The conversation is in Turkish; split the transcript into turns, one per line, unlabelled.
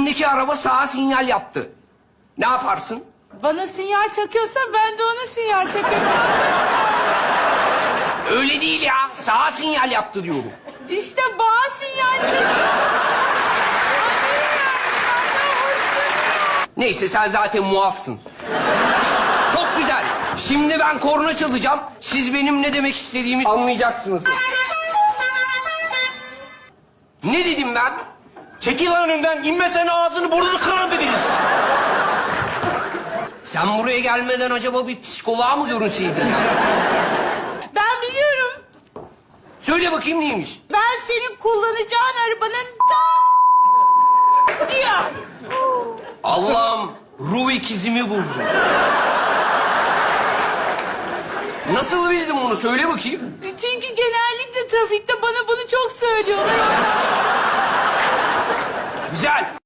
önündeki araba sağa sinyal yaptı. Ne yaparsın?
Bana sinyal çakıyorsa ben de ona sinyal çakıyorum.
Öyle değil ya. Sağa sinyal yaptı diyorum.
İşte bana sinyal çakıyor.
Neyse sen zaten muafsın. Çok güzel. Şimdi ben korna çalacağım. Siz benim ne demek istediğimi anlayacaksınız. Ne dedim ben?
Çekil lan önümden. İnmesen ağzını burnunu kırarım dediniz.
Sen buraya gelmeden acaba bir psikoloğa mı görünseydin ya?
Ben biliyorum.
Söyle bakayım neymiş?
Ben senin kullanacağın arabanın diyor.
Allah'ım ruh ikizimi buldum. Nasıl bildin bunu? Söyle bakayım.
Çünkü genellikle trafikte bana bunu çok söylüyorlar.
Güzel.